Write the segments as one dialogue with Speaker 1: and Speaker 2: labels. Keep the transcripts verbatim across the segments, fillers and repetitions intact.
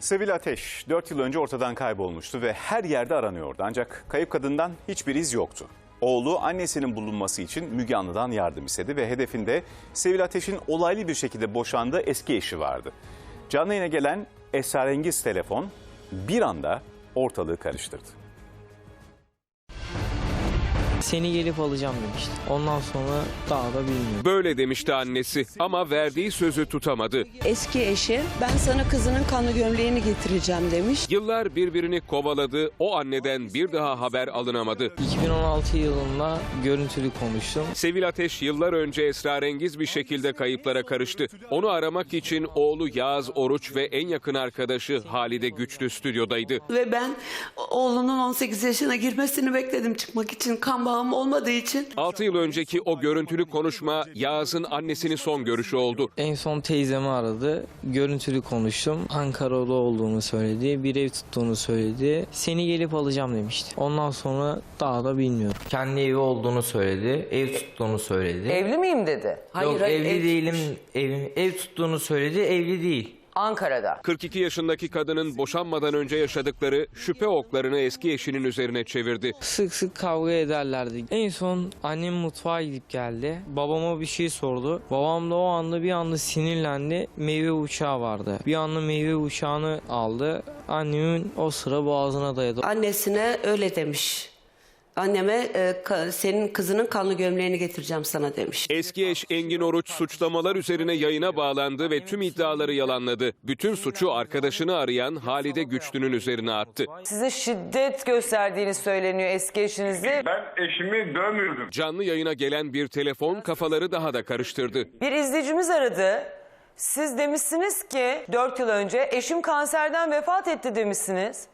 Speaker 1: Sevil Ateş dört yıl önce ortadan kaybolmuştu ve her yerde aranıyordu. Ancak kayıp kadından hiçbir iz yoktu. Oğlu annesinin bulunması için Müge Anlı'dan yardım istedi ve hedefinde Sevil Ateş'in olaylı bir şekilde boşandığı eski eşi vardı. Canlı yayına gelen esrarengiz telefon bir anda ortalığı karıştırdı.
Speaker 2: Seni gelip alacağım demişti. Ondan sonra daha da bilmiyorum.
Speaker 3: Böyle demişti annesi ama verdiği sözü tutamadı.
Speaker 4: Eski eşi ben sana kızının kanlı gömleğini getireceğim demiş.
Speaker 3: Yıllar birbirini kovaladı, o anneden bir daha haber alınamadı.
Speaker 2: iki bin on altı yılında görüntülü konuştum.
Speaker 3: Sevil Ateş yıllar önce esrarengiz bir şekilde kayıplara karıştı. Onu aramak için oğlu Yağız Oruç ve en yakın arkadaşı Halide Güçlü stüdyodaydı.
Speaker 4: Ve ben oğlunun on sekiz yaşına girmesini bekledim çıkmak için, kan bağım olmadığı için.
Speaker 3: altı yıl önceki o görüntülü konuşma Yağız'ın annesinin son görüşü oldu.
Speaker 2: En son teyzemi aradı. Görüntülü konuştum. Ankara'da olduğunu söyledi. Bir ev tuttuğunu söyledi. Seni gelip alacağım demişti. Ondan sonra daha da bilmiyorum. Kendi evi olduğunu söyledi. Ev tuttuğunu söyledi.
Speaker 5: Evli miyim dedi.
Speaker 4: Hayır,
Speaker 2: Yok
Speaker 4: hayır,
Speaker 2: evli
Speaker 4: ev
Speaker 2: değilim.
Speaker 4: tutmuş.
Speaker 2: Ev, ev tuttuğunu söyledi. Evli değil.
Speaker 5: Ankara'da.
Speaker 3: kırk iki yaşındaki kadının boşanmadan önce yaşadıkları şüphe oklarını eski eşinin üzerine çevirdi.
Speaker 2: Sık sık kavga ederlerdi. En son annem mutfağa gidip geldi. Babama bir şey sordu. Babam da o anda bir anda sinirlendi. Meyve uçağı vardı. Bir anda meyve uçağını aldı. Annemin o sıra boğazına dayadı.
Speaker 4: Annesine öyle demiş. Anneme e, ka, senin kızının kanlı gömleğini getireceğim sana demiş.
Speaker 3: Eski eş Engin Oruç suçlamalar üzerine yayına bağlandı ve tüm iddiaları yalanladı. Bütün suçu arkadaşını arayan Halide Güçlü'nün üzerine attı.
Speaker 5: Size şiddet gösterdiğini söyleniyor eski eşinizi.
Speaker 6: Ben eşimi dövmüyordum.
Speaker 3: Canlı yayına gelen bir telefon kafaları daha da karıştırdı.
Speaker 5: Bir izleyicimiz aradı. Siz demişsiniz ki dört yıl önce eşim kanserden vefat etti demişsiniz.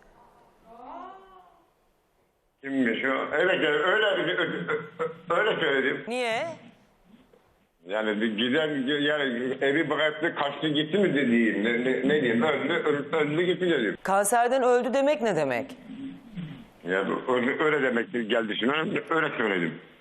Speaker 6: Kimmiş o? Öyle, öyle, öyle söyledim.
Speaker 5: Niye?
Speaker 6: Yani bir giden, yani evi bıraktı, kaçtı gitti mi dediğim, ne, ne, ne diyeyim, öldü, öldü, öldü gitti dedim.
Speaker 5: Kanserden öldü demek ne demek?
Speaker 6: Yani öyle, öyle demek geldi şimdi, öyle söyledim.